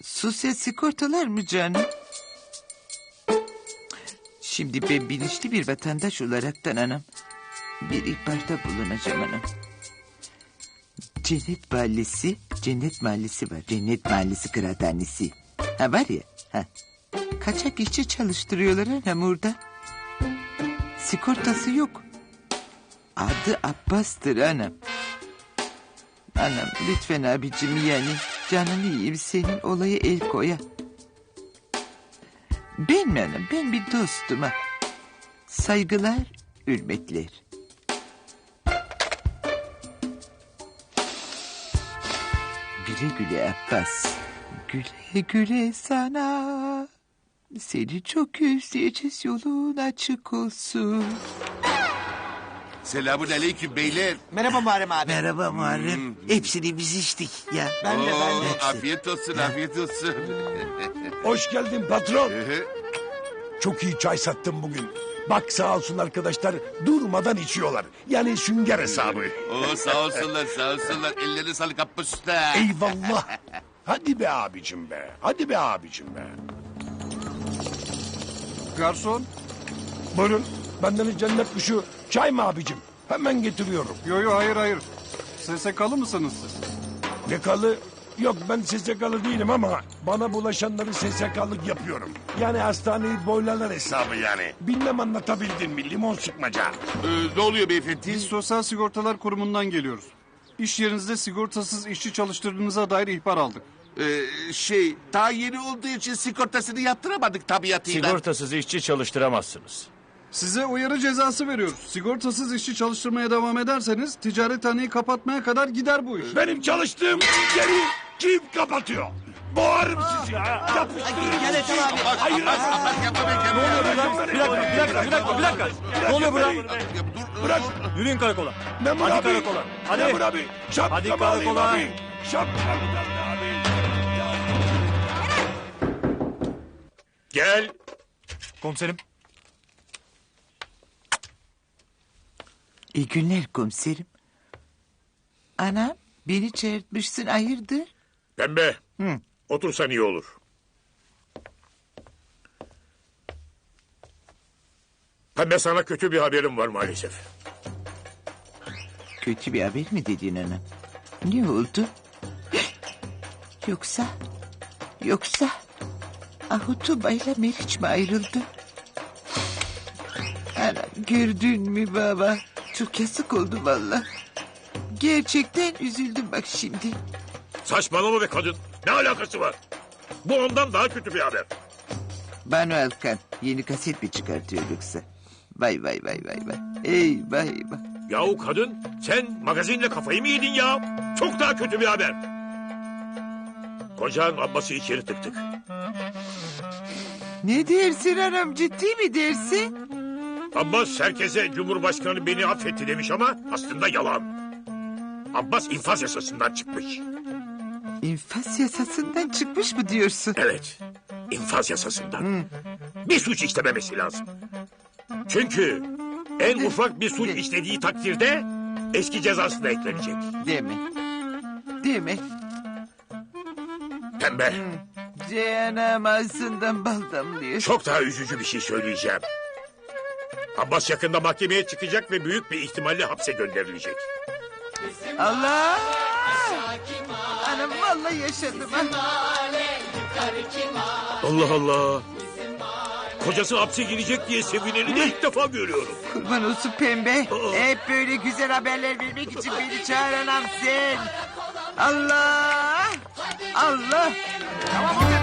Sosyal sigortalar mı canım? Şimdi ben bilinçli bir vatandaş olaraktan anam bir ihbarda bulunacağım anam. Cennet Mahallesi var. Cennet Mahallesi kıraathanesi. Ha var ya. Ha. Kaçak işçi çalıştırıyorlar anam orada. Sigortası yok. Adı Abbas'tır anam. Anam lütfen abicim yani canını yiyeyim senin olaya el koya. Ben mi anam? Ben bir dostum ha. Saygılar, hürmetler. Güle güle Abbas. Güle güle sana. Seni çok özleyeceğiz, yolun açık olsun. Selamun aleyküm beyler. Merhaba Muharrem abi. Merhaba Muharrem. Hepsini biz içtik ya. Ben de. Afiyet olsun, afiyet olsun. Hoş geldin patron. Çok iyi çay sattım bugün. Bak sağ olsun arkadaşlar durmadan içiyorlar. Yani sünger hesabı. Oo, sağ olsunlar, sağ olsunlar. Ellerine sağlık Abbas Usta. Eyvallah. Hadi be abicim be. Hadi be abicim be. Garson. Buyurun. Benden cennet kuşu. Çay mı abicim? Hemen getiriyorum. Yo hayır. SSK'lı mısınız siz? Ne kalı? Yok ben SSK'lı değilim ama bana bulaşanları SSK'lık yapıyorum. Yani hastaneyi boylarlar hesabı yani. Bilmem anlatabildim mi limon sıkmaca. Ne oluyor beyefendi? Biz Sosyal Sigortalar Kurumu'ndan geliyoruz. İş yerinizde sigortasız işçi çalıştırdığınıza dair ihbar aldık. Daha yeni olduğu için sigortasını yaptıramadık tabiatıyla. Sigortasız işçi çalıştıramazsınız. Size uyarı cezası veriyoruz. Sigortasız işçi çalıştırmaya devam ederseniz ticarethaneyi kapatmaya kadar gider bu iş. Benim çalıştığım yeri kim kapatıyor? Boğarım sizi. Yapıştırırım. Gel Ethem abi. Hayır. Abbas yapma be, yapma. Bir dakika. Ne oluyor burada? Bırak. Yürüyün karakola. Memur Hadi abi. karakola. Hadi. Memur abi. Şapkamı Hadi alayım karakola. abi. Şapkamı abi. Gel. Komiserim. İyi günler komiserim. Anam beni çağırtmışsın hayırdır? Pembe. Hı. Otursan iyi olur. Pembe sana kötü bir haberim var maalesef. Kötü bir haber mi dedin anam? Ne oldu? Yoksa Ahutubay'la Meriç mi ayrıldı? Anam gördün mü baba? Çok yazık oldu valla. Gerçekten üzüldüm bak şimdi. Saçmalama be kadın. Ne alakası var? Bu ondan daha kötü bir haber. Banu Alkan yeni kaset mi çıkartıyor yoksa? Vay. Eyvah. Yahu kadın sen magazinle kafayı mı yedin ya? Çok daha kötü bir haber. Kocan Abbas'ı içeri tıktık. Ne dersin anam ciddi mi dersin? Abbas herkese Cumhurbaşkanı beni affetti demiş ama aslında yalan. Abbas infaz yasasından çıkmış. İnfaz yasasından çıkmış mı diyorsun? Evet, infaz yasasından. Bir suç işlememesi lazım. Çünkü en ufak bir suç işlediği takdirde eski cezası da eklenecek. Deme. Pembe, Canım ağzından bal damlıyor. çok daha üzücü bir şey söyleyeceğim. Abbas yakında mahkemeye çıkacak ve büyük bir ihtimalle hapse gönderilecek. Allah! Anam vallahi yaşadım ha. Allah Allah. Kocası hapse girecek diye sevineni de ilk defa görüyorum. Kurban olsun pembe. Hep böyle güzel haberler vermek için beni çağıran sen. Allah!